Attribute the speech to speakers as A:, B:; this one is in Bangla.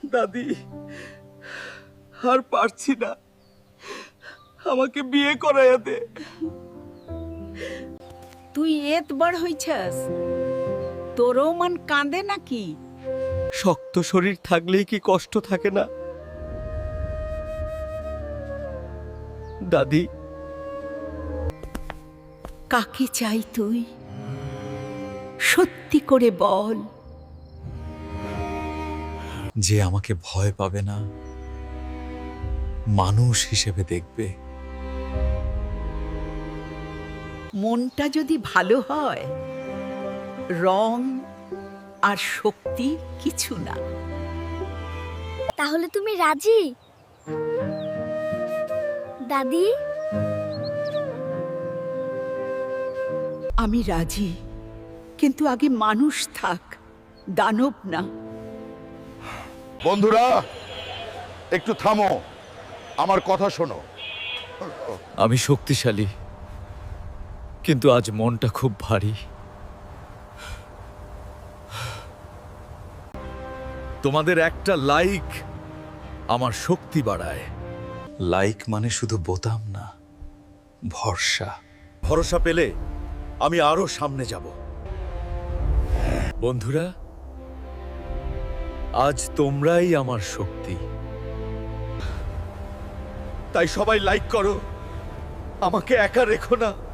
A: দাদি, আর পারছি না, আমাকে বিয়ে করাইয়া দে।
B: তুই এত বড় হইছস, তোরও মন কাঁদে নাকি?
A: শক্ত শরীর থাকলেই কি কষ্ট থাকে না দাদি?
B: কাকে চাই তুই? সত্যি করে বল।
C: যে আমাকে ভয় পাবে না, মানুষ হিসেবে দেখবে।
B: মনটা যদি ভালো হয়, রং আর শক্তি কিছু না।
D: তাহলে তুমি রাজি দাদি?
B: আমি রাজি, কিন্তু আগে মানুষ থাক, দানব না।
E: বন্ধুরা, একটু থামো, আমার কথা শোনো।
C: আমি শক্তিশালী, কিন্তু আজ মনটা খুব ভারী। তোমাদের একটা লাইক আমার শক্তি বাড়ায়। লাইক মানে শুধু বোতাম না, ভরসা। ভরসা পেলে আমি আরো সামনে যাব। বন্ধুরা, আজ তোমরাই আমার শক্তি।
A: তাই সবাই লাইক করো, আমাকে একা রেখো না।